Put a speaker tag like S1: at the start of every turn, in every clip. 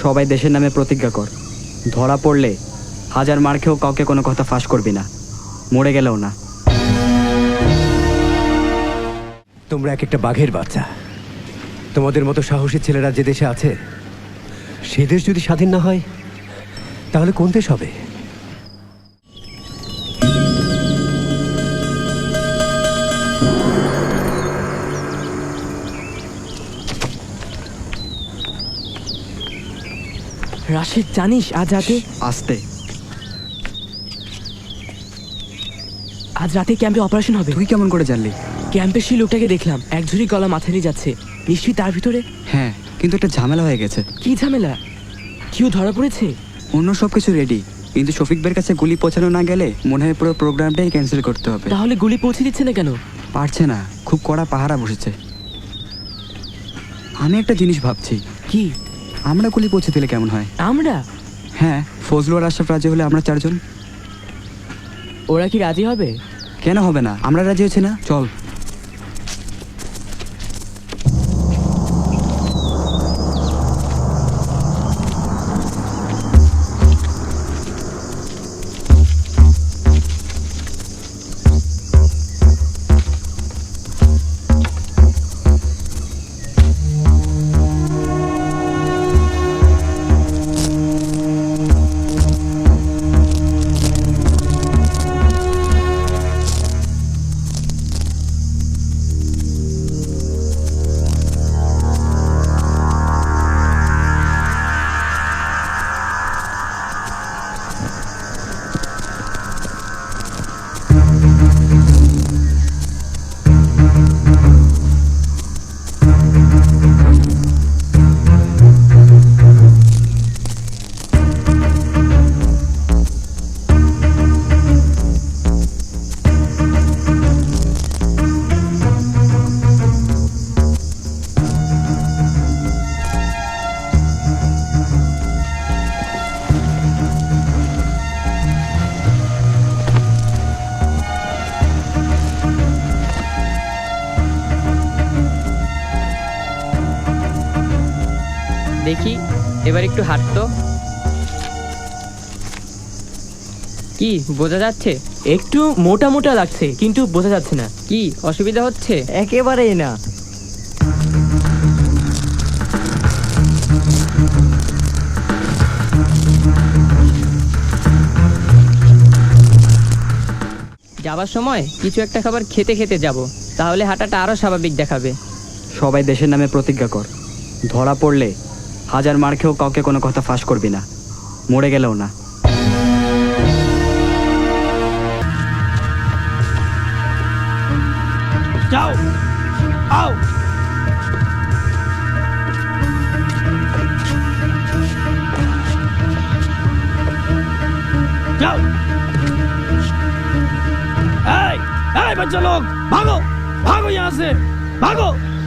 S1: সবাই দেশের নামে প্রতিজ্ঞা কর, ধরা পড়লে হাজার মার খেয়েও কাউকে কোনো কথা ফাঁস করবি না, মরে গেলেও না।
S2: তোমরা এক একটা বাঘের বাচ্চা। তোমাদের মতো সাহসী ছেলেরা যে দেশে আছে, সে দেশ যদি স্বাধীন না হয় তাহলে কোন দেশ হবে?
S3: রাশিদ, জানিস আজ রাতে
S1: আস্তে।
S3: ক্যাম্পে অপারেশন হবে।
S1: তুই কেমন করে জানলি?
S3: ক্যাম্পের সেই লোকটাকে দেখলাম, এক ঝুড়ি গলা মাথায় নিয়ে যাচ্ছে। নিশ্চয়ই তার ভিতরে।
S1: হ্যাঁ, কিন্তু একটা ঝামেলা হয়ে গেছে।
S3: কি ঝামেলা? কেউ ধরা পড়েছে?
S1: অন্য সব কিছু রেডি, কিন্তু শফিক ভাইয়ের কাছে গুলি পৌঁছানো না গেলে মনে হয় পুরো প্রোগ্রামটাই ক্যান্সেল করতে হবে।
S3: তাহলে গুলি পৌঁছে দিচ্ছে না কেন?
S1: পারছে না, খুব কড়া পাহারা বসেছে। আমি একটা জিনিস ভাবছি,
S3: কি?
S1: আমরা গুলি পৌঁছে দিলে কেমন হয়?
S3: আমরা?
S1: হ্যাঁ, ফজলু আর আশরাফ রাজি হলে আমরা চারজন।
S3: ওরা কি রাজি হবে?
S1: কেন হবে না, আমরা রাজি হচ্ছে না। চল।
S4: দেখি এবার একটু হাঁটতো। কি বোঝা যাচ্ছে?
S3: একটু মোটা মোটা লাগছে, কিন্তু বোঝা যাচ্ছে না।
S4: কি অসুবিধা হচ্ছে?
S3: একেবারেই না।
S4: যাবার সময় কিছু একটা খাবার খেতে খেতে যাব, তাহলে হাঁটাটা আরো স্বাভাবিক দেখাবে।
S1: সবাই দেশের নামে প্রতিজ্ঞা কর, ধরা পড়লে হাজার মার খেয়েও কাউকে কোনো কথা ফাঁস করবি না, মরে গেলেও না।
S5: যাও, আও। যাও। এই बच्चा लोग, भागो भागो यहाँ से, भागो।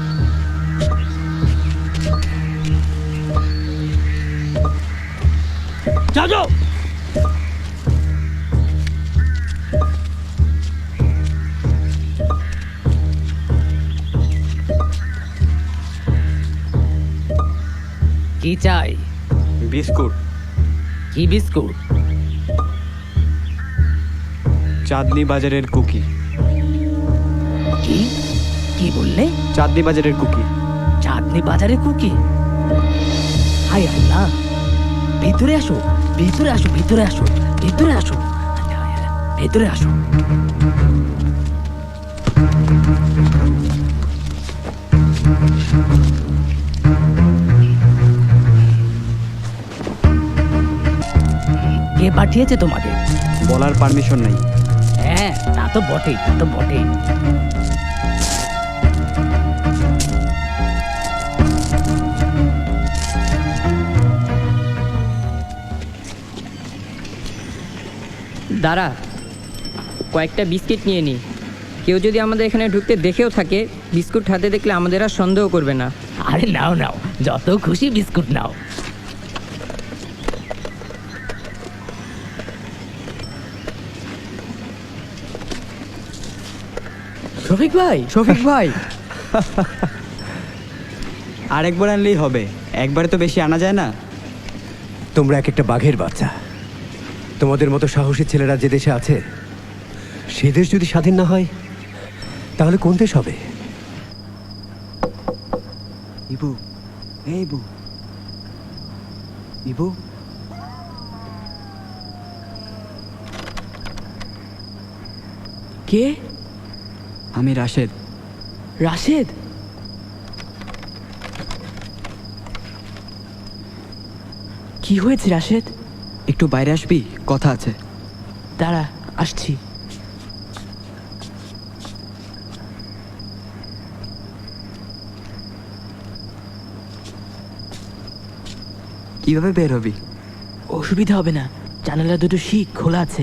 S5: जाओ जाओ।
S6: কি চাই?
S1: বিস্কুট।
S6: কি বিস্কুট?
S1: চাঁদনি বাজারের কুকি।
S6: কি কি বললে?
S1: চাঁদনি বাজারের কুকি।
S6: চাঁদনি বাজারে কুকি? হাই আল্লাহ! ভিতরে আসো, ভিতরে আসো, ভিতরে আসো, ভিতরে আসো, ভেতরে আসো। কে পাঠিয়েছে তোমাকে?
S1: বলার পারমিশন নাই।
S6: হ্যাঁ, তা তো বটেই, তা তো বটেই।
S4: দাঁড়া, কয়েকটা বিস্কিট নিয়ে নিই। কেউ যদি আমাদের এখানে ঢুকতে দেখেও থাকে, বিস্কুট হাতে দেখলে আমাদের আর সন্দেহ করবে না।
S6: আরে নাও নাও, যত খুশি বিস্কুট নাও।
S3: শফিক ভাই,
S1: শফিক ভাই আরেকবার আনলেই হবে, একবারে তো বেশি আনা যায় না।
S2: তোমরা এক একটা বাঘের বাচ্চা। তোমাদের মতো সাহসী ছেলেরা যে দেশে আছে, সে দেশ যদি স্বাধীন না হয় তাহলে কোন দেশ হবে?
S1: ইবু, এই ইবু, ইবু,
S3: কে?
S1: আমি রাশেদ।
S3: রাশেদ? কি হয়েছে রাশেদ?
S1: একটু বাইরে আসবি, কথা আছে।
S3: দাঁড়া, আসছি।
S1: কিভাবে বের হবি?
S3: অসুবিধা হবে না, জানালা দুটো শিক খোলা আছে।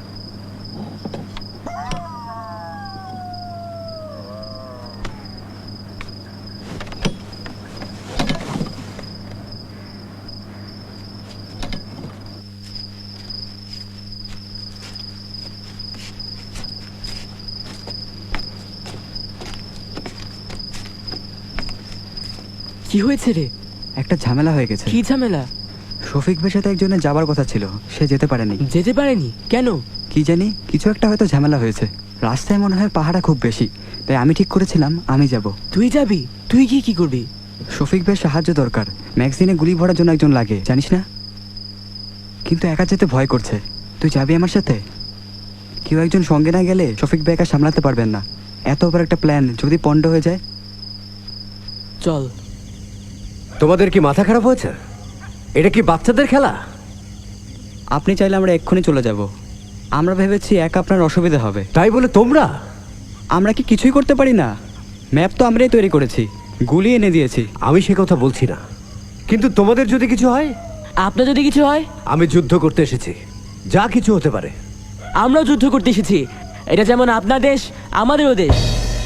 S3: কি হয়েছে রে?
S1: একটা ঝামেলা হয়ে গেছে।
S3: কি ঝামেলা?
S1: শফিক ভাইয়ের সাথে একজনের যাবার কথা ছিল, সে যেতে পারেনি।
S3: যেতে পারেনি কেন?
S1: কি জানি, কিছু একটা হয়তো ঝামেলা হয়েছে। রাস্তায় মনে হয় পাহাড়া খুব বেশি, তাই আমি ঠিক করেছিলাম আমি যাব।
S3: তুই যাবি? তুই গিয়ে কি করবি?
S1: শফিক ভাইয়ের সাহায্য দরকার, ম্যাগজিনে গুলি ভরার জন্য একজন লাগে, জানিস না? কিন্তু একা যেতে ভয় করছে। তুই যাবি আমার সাথে? কেউ একজন সঙ্গে না গেলে শফিক ভাই একা সামলাতে পারবেন না। এত বড় একটা প্ল্যান যদি পণ্ড হয়ে যায়।
S3: চল।
S2: তোমাদের কি মাথা খারাপ হয়েছে? এটা কি বাচ্চাদের খেলা?
S1: আপনি চাইলে আমরা এক্ষুনি চলে যাব। আমরা ভেবেছি একা আপনার অসুবিধা হবে।
S2: তাই বলে তোমরা?
S1: আমরা কি কিছুই করতে পারি না? ম্যাপ তো আমরাই তৈরি করেছি, গুলি এনে দিয়েছি।
S2: আমি সে কথা বলছি না, কিন্তু তোমাদের যদি কিছু হয়?
S3: আপনার যদি কিছু হয়?
S2: আমি যুদ্ধ করতে এসেছি, যা কিছু হতে পারে।
S3: আমরাও যুদ্ধ করতে এসেছি। এটা যেমন আপনার দেশ, আমাদেরও দেশ।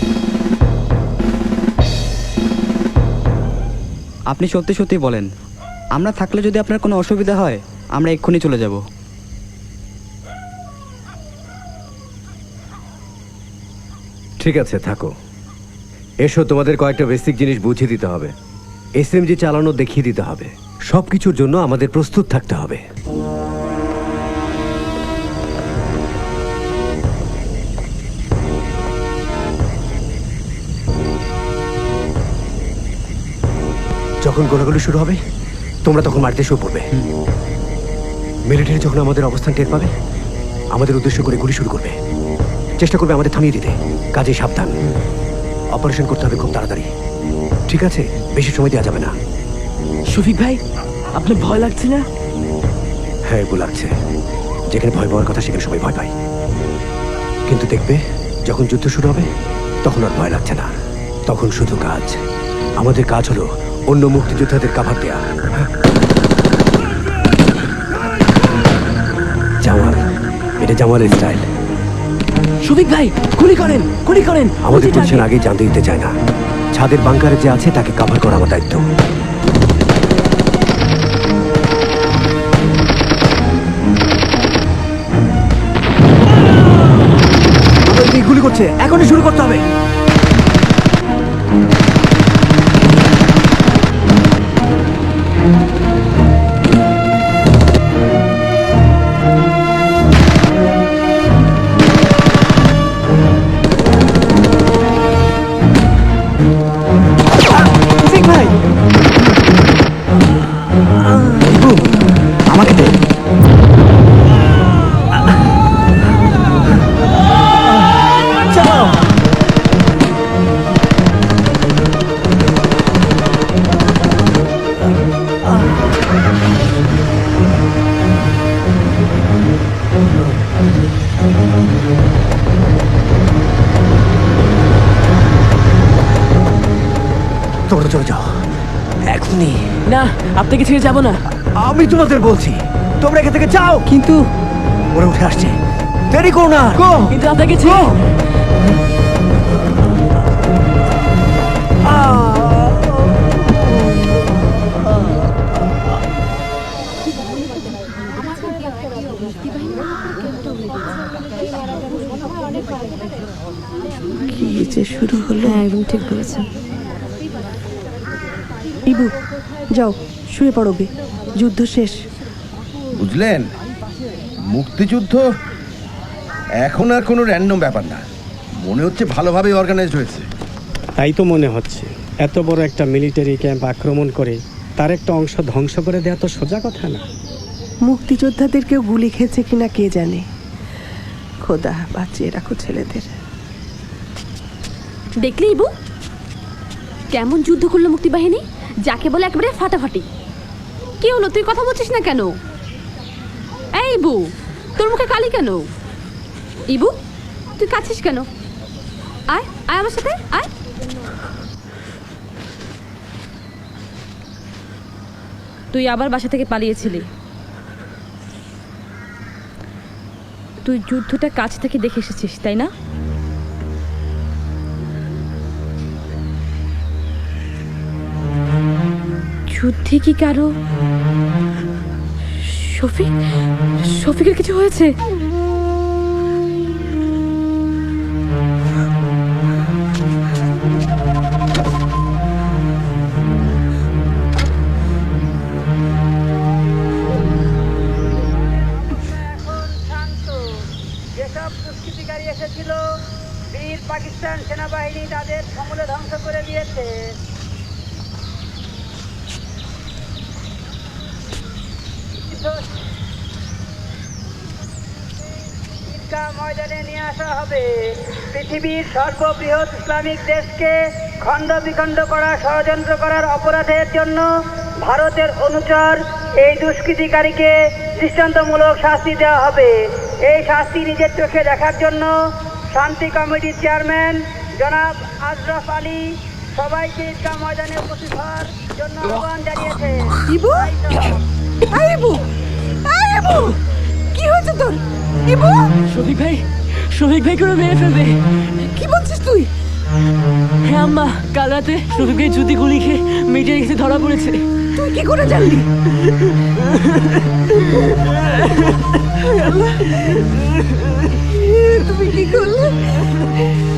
S1: আপনি সত্যি সত্যি বলেন, আমরা থাকলে যদি আপনার কোনো অসুবিধা হয় আমরা এক্ষুনি চলে যাব।
S2: ঠিক আছে, থাকো। এসো, তোমাদের কয়েকটা বেসিক জিনিস বুঝিয়ে দিতে হবে। এসএমজি চালানো দেখিয়ে দিতে হবে। সব কিছুর জন্য আমাদের প্রস্তুত থাকতে হবে। যখন গোলাগুলি শুরু হবে তোমরা তখন মারতে শুরু করবে। মিলিটারি যখন আমাদের অবস্থান টের পাবে আমাদের উদ্দেশ্য করে গুলি শুরু করবে, চেষ্টা করবে আমাদের থামিয়ে দিতে। কাজে সাবধান, অপারেশন করতে হবে খুব তাড়াতাড়ি। ঠিক আছে? বেশি সময় দেওয়া যাবে না।
S3: শফিক ভাই, আপনার ভয় লাগছে না?
S2: হ্যাঁ, এগুলো লাগছে। যেখানে ভয় পাওয়ার কথা সেখানে সবাই ভয় পায়, কিন্তু দেখবে যখন যুদ্ধ শুরু হবে তখন আর ভয় লাগছে না। তখন শুধু কাজ। আমাদের কাজ হলো অন্য মুক্তিযোদ্ধাদের কাভার দেয়া। জামাল, এটা জামালের স্টাইল।
S3: শফিক ভাই, গুলি করেন, গুলি করেন।
S2: আমাদের পজিশন আগেই জানতে দিতে চায় না। ছাদের বাংকারে যে আছে তাকে কাভার করা আমার দায়িত্ব। আমাদের গুলি করছে, এখনই শুরু করতে হবে।
S1: আমাকে দে।
S2: তোমরা চলে যাও এখনই।
S3: না, আপনাকে ছেড়ে যাব না।
S2: আমি তোমাদের বলছি তোমরা এখান থেকে যাও।
S3: কিন্তু
S2: ওরা উঠে আসছে, দেরি করো না।
S3: কিন্তু আপনাকে ছেড়ে
S7: কি যে শুরু হলো। হ্যাঁ, একদম ঠিক বলেছেন। ইবু, যাও শুয়ে পড়ো গে, যুদ্ধ শেষ।
S8: বুঝলেন, মুক্তিযুদ্ধ এখন আর কোনো র্যান্ডম ব্যাপার না, মনে হচ্ছে ভালোভাবে অর্গানাইজড হয়েছে।
S9: তাই তো মনে হচ্ছে। এত বড় একটা মিলিটারি ক্যাম্প আক্রমণ করে তার একটা অংশ ধ্বংস করে দেওয়া তো সোজা কথা না।
S7: মুক্তিযোদ্ধাদেরকেও গুলি খেয়েছে কিনা কে জানে। খোদা বাঁচিয়ে রাখো ছেলেদের।
S10: দেখলি ইবু কেমন যুদ্ধ করলো মুক্তিবাহিনী, যাকে বলে একেবারে ফাটাফাটি। কি হলো, তুই কথা বলছিস না কেন? এই ইবু, তোর মুখে কালি কেন? ইবু, তুই কাছিস কেন? আয় আয় আমার সাথে আয়। তুই আবার বাসা থেকে পালিয়েছিলি। তুই যুদ্ধটা কাছ থেকে দেখে এসেছিস, তাই না? যুদ্ধে কি কারো শফিকের কিছু হয়েছে?
S11: যেসব দুষ্কৃতিকারী এসেছিল, বীর পাকিস্তান সেনাবাহিনী তাদের সমূলে ধ্বংস করে দিয়েছে। ঈদগাহ ময়দানে নিয়ে আসা হবে। পৃথিবীর সর্ববৃহৎ ইসলামিক দেশকে খণ্ড বিখণ্ড করা, ষড়যন্ত্র করার অপরাধের জন্য ভারতের অনুচর এই দুষ্কৃতিকারীকে দৃষ্টান্তমূলক শাস্তি দেওয়া হবে। এই শাস্তি নিজের চোখে দেখার জন্য শান্তি কমিটির চেয়ারম্যান জনাব আশরাফ আলী সবাইকে ঈদগাহ ময়দানে উপস্থিত হওয়ার জন্য আহ্বান জানিয়েছে।
S7: ইবু, আয় ইবু, আয় ইবু, কি হয়েছে তোর? ইবু,
S3: শফিক ভাই করে মেরে ফেলবে।
S7: কি বলছিস তুই?
S3: হ্যাঁ আম্মা, কাল রাতে শফিক ভাই জুতি গুলি খেয়ে মেয়েটার কাছে ধরা পড়েছে।
S7: তুই কি করে জানলি? তুমি কি করলে?